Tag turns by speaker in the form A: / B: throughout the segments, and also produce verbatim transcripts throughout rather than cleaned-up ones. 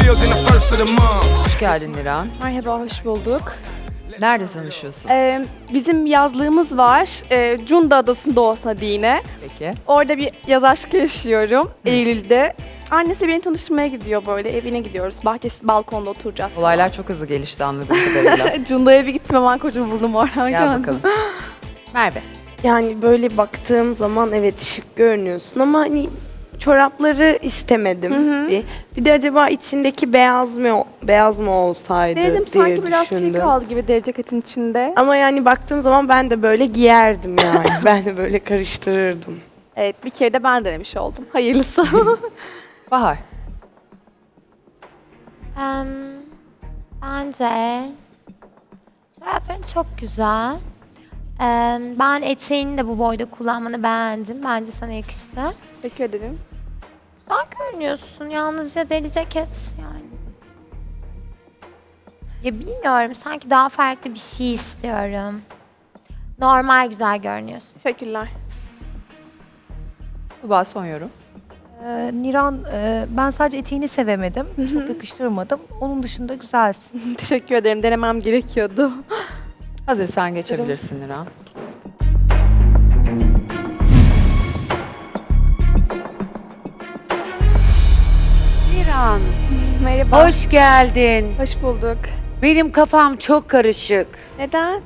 A: bills in the first of the month.
B: Hoş geldin Niran.
C: Merhaba, hoş bulduk.
B: Nerede tanışıyorsun?
C: Ee, bizim yazlığımız var. Ee, Cunda Adası'nda olsa yine.
B: Peki.
C: Orada bir yaz aşkı yaşıyorum Eylül'de. Annesi beni tanıştırmaya gidiyor böyle. Evine gidiyoruz. Bahçesi, balkonda oturacağız.
B: Olaylar çok hızlı gelişti anladığım kadarıyla.
C: Cunda'ya bir gittim, hemen kocamı buldum oradan.
B: Gel
C: geldim.
B: bakalım. Merve.
D: Yani böyle baktığım zaman evet şık görünüyorsun ama hani çorapları istemedim. Bir. Bir de acaba içindeki beyaz mı beyaz mı olsaydı
C: Dedim
D: diye
C: sanki biraz çiğ
D: düşündüm.
C: kaldı gibi deri ceketin içinde.
D: Ama yani baktığım zaman ben de böyle giyerdim yani. Ben de böyle karıştırırdım.
C: Evet, bir kere de ben denemiş oldum. Hayırlısı.
B: Bahar.
E: Em, bence çorapların çok güzel. Em, ben eteğini de bu boyda kullanmanı beğendim. Bence sana yakıştı.
C: Teşekkür ederim.
E: Güzel görünüyorsun. Yalnızca deri ceket yani. Ya bilmiyorum. Sanki daha farklı bir şey istiyorum. Normal güzel görünüyorsun.
C: Teşekkürler.
B: Tuba son yorum.
F: Ee, Niran, e, ben sadece eteğini sevemedim. Çok yakıştırmadım. Onun dışında güzelsin.
C: Teşekkür ederim. Denemem gerekiyordu.
B: Hazırsan geçebilirsin Niran.
G: Niran,
C: Merhaba. Hoş,
G: hoş geldin.
C: hoş bulduk.
G: Benim kafam çok karışık.
C: Neden?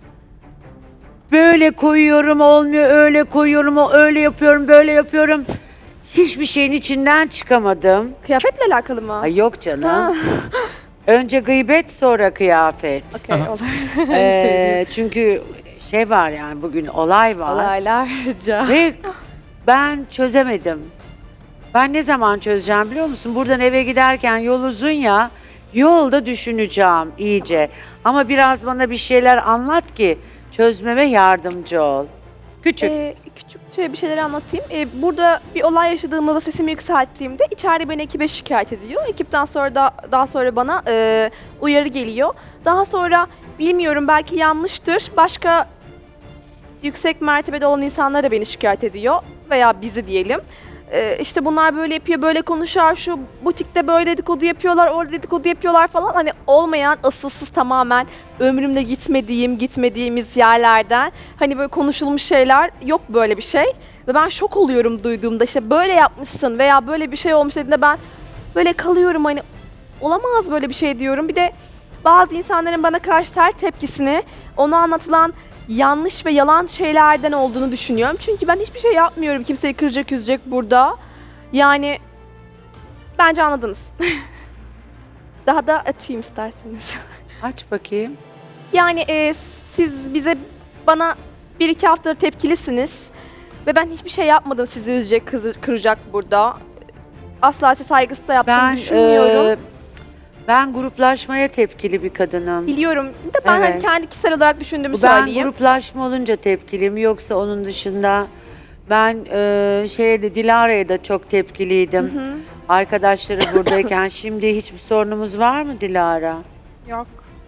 G: Böyle koyuyorum olmuyor, öyle koyuyorum, o öyle yapıyorum, böyle yapıyorum. Hiçbir şeyin içinden çıkamadım.
C: Kıyafetle alakalı mı?
G: Ay yok canım.
C: Ha.
G: Önce gıybet sonra kıyafet.
C: Okey, olur.
G: Ee, çünkü şey var yani bugün olay var.
C: Olaylarca.
G: Ve ben çözemedim. Ben ne zaman çözeceğim biliyor musun? Buradan eve giderken yol uzun ya. Yolda düşüneceğim iyice. Ama biraz bana bir şeyler anlat ki çözmeme yardımcı ol. Küçük.
C: Ee, küçükçe bir şeyler anlatayım. Ee, burada bir olay yaşadığımızda sesimi yükselttiğimde içeride beni ekibe şikayet ediyor. Ekipten sonra da daha sonra bana e, uyarı geliyor. Daha sonra bilmiyorum, belki yanlıştır. Başka yüksek mertebede olan insanlar da beni şikayet ediyor veya bizi diyelim. Ee, işte bunlar böyle yapıyor, böyle konuşuyor, şu butikte böyle dedikodu yapıyorlar, orada dedikodu yapıyorlar falan. Hani olmayan, asılsız, tamamen ömrümde gitmediğim, gitmediğimiz yerlerden hani böyle konuşulmuş şeyler, yok böyle bir şey. Ve ben şok oluyorum duyduğumda, işte böyle yapmışsın veya böyle bir şey olmuş dediğinde ben böyle kalıyorum, hani olamaz böyle bir şey diyorum. Bir de bazı insanların bana karşı sert tepkisini ona anlatılan yanlış ve yalan şeylerden olduğunu düşünüyorum. Çünkü ben hiçbir şey yapmıyorum kimseyi kıracak, üzecek burada. Yani bence anladınız. Daha da açayım isterseniz.
G: Aç bakayım.
C: Yani e, siz bize, bana bir iki haftadır tepkilisiniz. Ve ben hiçbir şey yapmadım sizi üzecek, kızı- kıracak burada. Asla size saygısı da yaptığımı
G: Ben
C: düşünmüyorum.
G: e, ben gruplaşmaya tepkili bir kadınım.
C: Biliyorum. Bir de ben hani
G: Evet.
C: kendi kişisel olarak düşündüğümü
G: Ben
C: söyleyeyim.
G: gruplaşma olunca tepkiliyim. Yoksa onun dışında ben e, şeyde Dilara'ya da çok tepkiliydim. Arkadaşları buradayken şimdi hiçbir sorunumuz var mı Dilara?
C: Yok.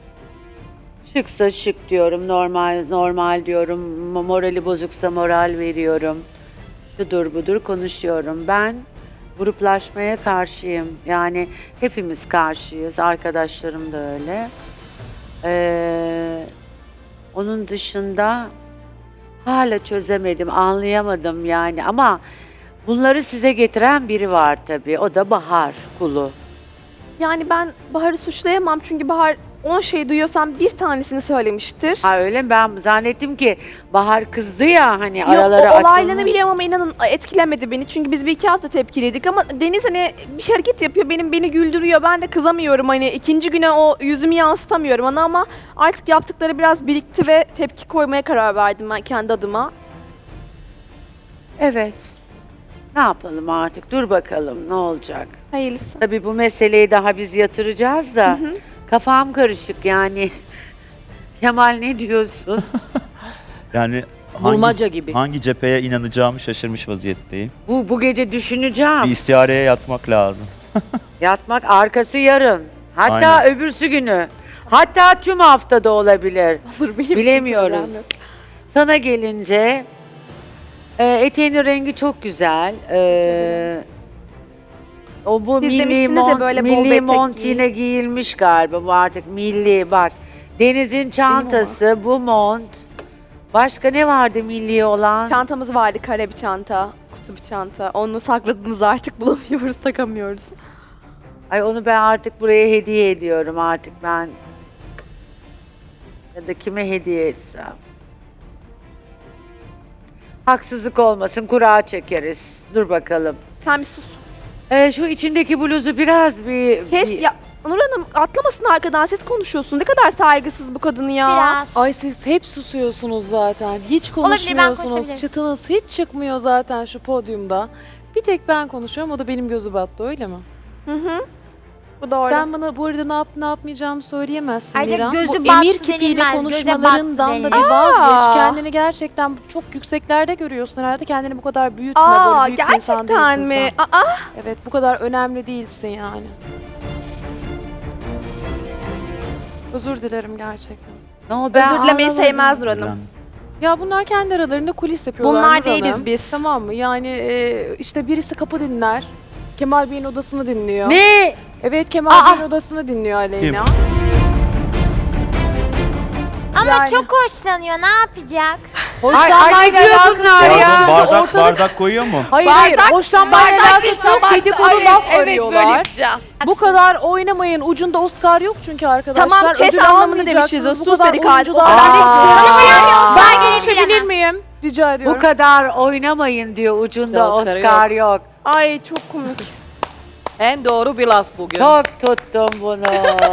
G: Şıksa şık diyorum, normal normal diyorum, mo- morali bozuksa moral veriyorum. Şudur budur konuşuyorum. Ben gruplaşmaya karşıyım. Yani hepimiz karşıyız, arkadaşlarım da öyle. Ee, onun dışında hala çözemedim, anlayamadım yani ama bunları size getiren biri var tabii. O da Bahar Kulu.
C: Yani ben Bahar'ı suçlayamam çünkü Bahar on şey duyuyorsam bir tanesini söylemiştir.
G: Ha öyle mi? Ben zannettim ki Bahar kızdı ya hani
C: Yok,
G: araları
C: o olaylarını
G: açılmış.
C: biliyorum ama inanın etkilemedi beni. Çünkü biz bir iki hafta tepkiliydik ama Deniz hani bir şey hareket yapıyor, benim beni güldürüyor. Ben de kızamıyorum, hani ikinci güne o yüzümü yansıtamıyorum ana, ama artık yaptıkları biraz birikti ve tepki koymaya karar verdim ben kendi adıma.
G: Evet. Ne yapalım artık? Dur bakalım ne olacak?
C: Hayırlısı.
G: Tabii bu meseleyi daha biz yatıracağız da kafam karışık yani. Kemal ne diyorsun?
H: Yani
I: Bulmaca
H: hangi,
I: gibi.
H: hangi cepheye inanacağımı şaşırmış vaziyetteyim.
G: bu bu gece düşüneceğim.
H: Bir istihareye yatmak lazım.
G: Yatmak arkası yarın. Hatta
H: Aynen.
G: öbürsü günü. Hatta tüm haftada olabilir.
C: Olur, benim için
G: Bilemiyoruz.
C: problem yok.
G: Sana gelince e, eteğinin rengi çok güzel. E, O bu
C: Siz
G: milli
C: demiştiniz ya
G: mont,
C: böyle bol
G: milli
C: etek
G: mont
C: giyin.
G: yine giyilmiş galiba bu artık milli bak. Deniz'in çantası, bu mont. Başka ne vardı milli olan?
C: Çantamız vardı, kare bir çanta, kutu bir çanta. Onu sakladınız, artık bulamıyoruz, takamıyoruz.
G: Ay onu ben artık buraya hediye ediyorum artık ben. Ya da kime hediye etsem. Haksızlık olmasın, kura çekeriz. Dur bakalım.
C: Sen bir sus.
G: Ee, şu içindeki bluzu biraz bir...
C: Kes
G: bir-
C: ya. Nur Hanım atlamasın arkadan, siz konuşuyorsun. Ne kadar saygısız bu kadın ya.
E: Biraz.
A: Ay siz hep susuyorsunuz zaten. Hiç
E: Olabilir, ben
A: konuşmuyorsunuz.
E: konuşabilirim.
A: Çıtınız hiç çıkmıyor zaten şu podyumda. Bir tek ben konuşuyorum. O da benim gözü battı, öyle mi?
C: Hı hı. Bu doğru.
A: Sen bana bu arada ne yap ne yapmayacağımı söyleyemezsin
E: Ayrıca
A: Miran.
E: gözü
A: Bu
E: battı
A: emir kipiyle
E: denilmez, göze
A: konuşmalarından da
E: battı
A: bir
C: denilir.
A: vazgeç.
C: Aa.
A: Kendini gerçekten çok yükseklerde görüyorsun herhalde. Kendini bu kadar büyütme.
C: Aa,
A: Böyle büyük bir insan
C: gerçekten
A: değilsin
C: mi?
A: sen.
C: Aa,
A: Evet, bu kadar önemli değilsin yani. Özür dilerim gerçekten.
G: No, ben
C: özür dilemeyi
G: anlamadım.
C: sevmez Nur Hanım.
H: Yani
A: Ya bunlar kendi aralarında kulis yapıyorlar.
C: Bunlar
A: Nur
C: değiliz
A: Hanım.
C: biz.
A: Tamam mı? Yani e, işte birisi kapı dinler. Kemal Bey'in odasını dinliyor.
G: Ne?
A: Evet, Kemal
G: Aa!
A: Bey'in odasını dinliyor Aleyna.
E: Ama
A: Yani-
E: çok hoşlanıyor. Ne yapacak?
G: Ay, ay ne diyor bunlar
H: Pardon,
G: ya?
H: bardak
A: ortada-
H: bardak koyuyor mu?
A: Hayır hayır, hoşlanmayla alakası yok. Dedikodu laf
C: evet,
A: arıyorlar.
C: gideceğim.
A: Bu kadar oynamayın. Ucunda Oscar yok çünkü arkadaşlar.
C: Tamam, kes
A: Ödül
C: anlamını
A: almayacaksınız.
C: demişiz.
A: Bu
C: Sus
A: kadar
C: dedik, hadi.
A: oyuncular.
G: Aa.
E: Sana beğenmiyor.
A: Ben
E: Oscar gelebilir
A: konuşabilir
E: ama.
A: miyim? Rica ediyorum.
G: Bu kadar oynamayın diyor ucunda
I: Oscar
G: Oscar yok.
C: Ay çok komik.
I: En doğru bir laf bugün.
G: Çok tuttum bunu.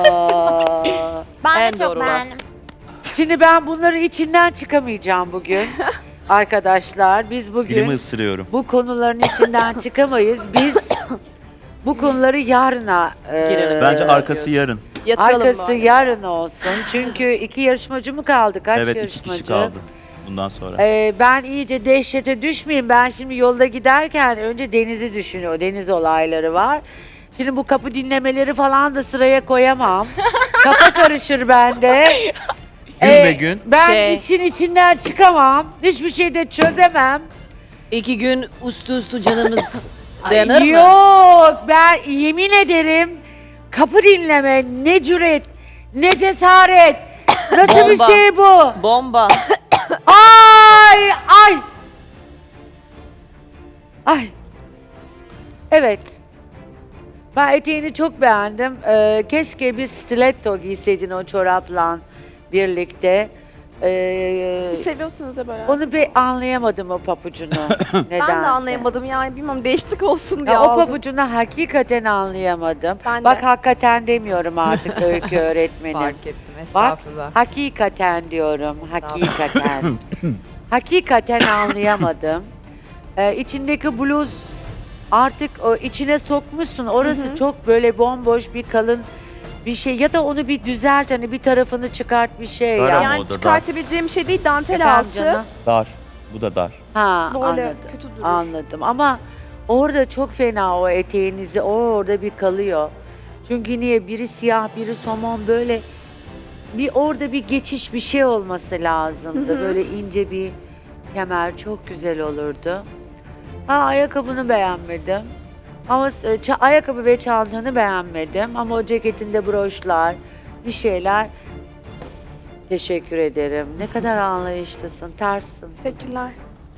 E: Ben
I: En
E: de çok
I: doğru laf.
E: beğendim.
G: Şimdi ben bunları içinden çıkamayacağım bugün. Arkadaşlar biz bugün
H: Dilimi ısırıyorum.
G: bu konuların içinden çıkamayız. Biz bu konuları yarına e,
I: Girelim.
H: Bence arkası yarın.
C: Yatıralım
G: arkası
C: bari.
G: yarın olsun. Çünkü iki yarışmacı mı kaldı? Kaç
H: Evet, iki
G: yarışmacı?
H: kişi kaldı bundan sonra.
G: Ee, ben iyice dehşete düşmeyeyim. Ben şimdi yolda giderken önce Deniz'i düşünüyor. Deniz olayları var. Şimdi bu kapı dinlemeleri falan da sıraya koyamam. Kafa karışır bende.
H: Gün
G: Ee,
H: be gün.
G: Ben
I: Şey-
G: için içinden çıkamam. Hiçbir şey de çözemem.
I: İki gün üstü üstü canımız dayanır mı?
G: Yok, ben yemin ederim kapı dinleme ne cüret, ne cesaret. Nasıl bir
I: Bomba.
G: şey bu?
I: Bomba.
G: Ay ay. Ay. Evet. Ben eteğini çok beğendim. Ee, keşke bir stiletto giyseydin o çorapla birlikte. Ee,
C: Siz seviyorsunuz da böyle.
G: onu bir anlayamadım o papucunu. Nedense.
C: Ben de anlayamadım yani, bilmem, değişiklik olsun diye
G: Ya o
C: aldım.
G: pabucunu hakikaten anlayamadım.
C: Ben
G: Bak
C: de.
G: hakikaten demiyorum artık öykü öğretmenim.
B: Fark ettim.
G: Bak
B: Estağfurullah.
G: hakikaten diyorum. Hakikaten. hakikaten anlayamadım. Ee, içindeki bluz artık o içine sokmuşsun. Orası çok böyle bomboş bir kalın bir şey. Ya da onu bir düzelt, hani bir tarafını çıkart bir şey
H: Dar
G: ya.
H: ama
C: Yani
H: o da dar.
C: çıkartabileceğim bir şey değil, dantel
G: Efendim
C: altı.
G: canım?
H: Dar. Bu da dar.
G: Ha
C: Böyle
G: anladım.
C: kötü durur.
G: Anladım ama orada çok fena o eteğinizi, o orada bir kalıyor. Çünkü niye? Biri siyah, biri somon, böyle bir orada bir geçiş bir şey olması lazımdı.
C: Hı hı.
G: Böyle ince bir kemer çok güzel olurdu. Ha ayakkabını beğenmedim. Ama e, ça- ayakkabı ve çantanı beğenmedim. Ama o ceketinde broşlar, bir şeyler. Teşekkür ederim. Ne kadar anlayışlısın, terssin.
C: Teşekkürler.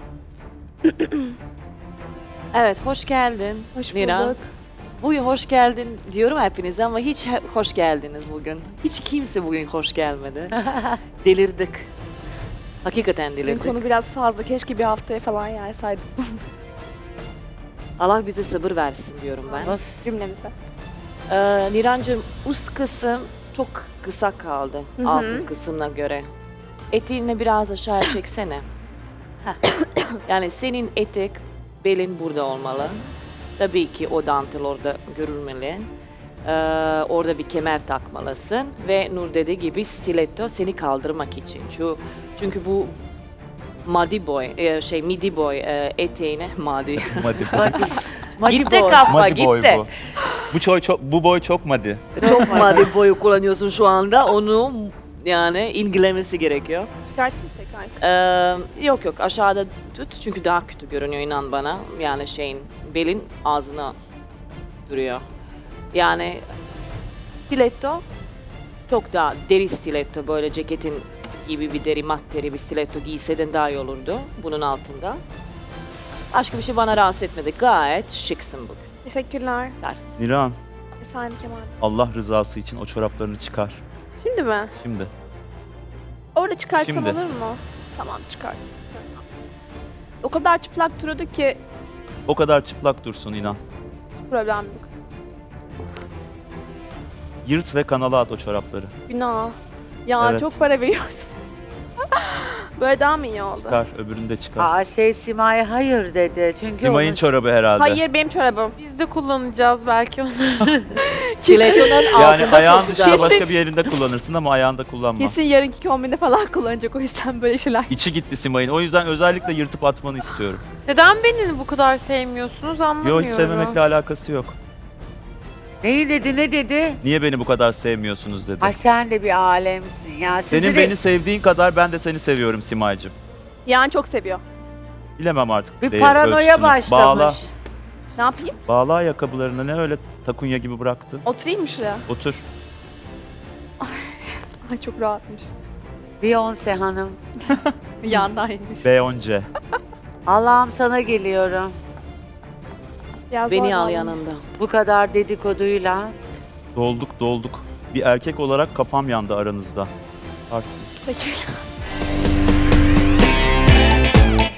I: Evet, hoş geldin.
C: Hoş
I: Niran.
C: bulduk.
I: Bugün hoş geldin diyorum hepinize ama hiç he- hoş geldiniz bugün. Hiç kimse bugün hoş gelmedi. Delirdik. Hakikaten
C: Bugün
I: delirdik.
C: konu biraz fazla. Keşke bir haftaya falan yaysaydık
I: Allah bize sabır versin diyorum ben.
G: Of.
C: cümlemize.
I: Ee, Nirancığım, üst kısım çok kısa kaldı
C: Hı hı.
I: altın kısmına göre. Eteğini biraz aşağı çeksene. Heh. Yani senin etek belin burada olmalı. Tabii ki o dantel orada görülmeli. Ee, orada bir kemer takmalısın ve Nur dediği gibi stiletto seni kaldırmak için. Çünkü, çünkü bu madi boy, e, şey midi boy e, eteğine madi.
H: Madi boy.
G: Madi
I: gitti
G: boy.
I: kafa
H: Madi boy
I: gitti.
H: bu. Bu, çoy, çok, bu boy çok madi.
I: Çok madi boyu kullanıyorsun şu anda. Onu yani ilgilenmesi gerekiyor.
C: Çıkarttım tekrar.
I: Ee, yok yok aşağıda tut çünkü daha kötü görünüyor inan bana. Yani şeyin belin ağzına duruyor. Yani stiletto çok daha deri stiletto, böyle ceketin gibi bir deri, mat deri bir stiletto giyseydin daha iyi olurdu bunun altında. Başka bir şey bana rahatsız etmedi. Gayet şıksın bugün.
C: Teşekkürler.
I: Ders.
H: Niran,
C: Efendim Kemal.
H: Allah rızası için o çoraplarını çıkar.
C: Şimdi mi?
H: Şimdi.
C: Orada çıkartsam
H: Şimdi.
C: olur mu? Tamam çıkart. O kadar çıplak duruyordu ki
H: O kadar çıplak dursun inan.
C: problem yok.
H: Yırt ve kanala at o çorapları.
C: Günah. Ya
H: Evet.
C: çok para veriyorsun. Böyle daha mı iyi oldu?
H: Çıkar, öbürünü de çıkar.
G: Aa şey Simay hayır dedi. Çünkü
H: Simay'ın
G: onun-
H: çorabı herhalde.
C: Hayır benim çorabım.
A: Biz de kullanacağız belki onu.
I: Stiletto'nun
H: Yani
I: altında
H: ayağın
I: çok güzel.
H: dışında başka bir yerinde kullanırsın ama ayağında kullanma.
C: Kesin yarınki kombinde falan kullanacak, o yüzden böyle şeyler.
H: İçi gitti Simay'ın. O yüzden özellikle yırtıp atmanı istiyorum.
A: Neden beni bu kadar sevmiyorsunuz anlamıyorum.
H: Yok, hiç sevmemekle alakası yok.
G: Neyi dedi ne dedi?
H: Niye beni bu kadar sevmiyorsunuz dedi.
G: Ay sen de bir alemsin ya. Sizi
H: Senin
G: de-
H: beni sevdiğin kadar ben de seni seviyorum Simay'cığım.
C: Yani çok seviyor.
H: Bilemem artık.
G: bir
H: değer
G: paranoya
H: ölçüsünü.
G: başlamış.
H: Bağla,
C: Ne yapayım?
H: bağla ayakkabılarını, ne öyle takunya gibi bıraktın.
C: Oturayım mı şuraya?
H: Otur.
C: Ay çok rahatmış.
G: Beyoncé hanım.
C: Yandaymış.
H: B on C.
G: Allah'ım sana geliyorum.
C: Biraz
I: Beni
C: zor
I: al
C: vallahi.
I: yanında.
G: Bu kadar dedikoduyla.
H: Dolduk dolduk. Bir erkek olarak kafam yandı aranızda. Artık.
C: Teşekkürler.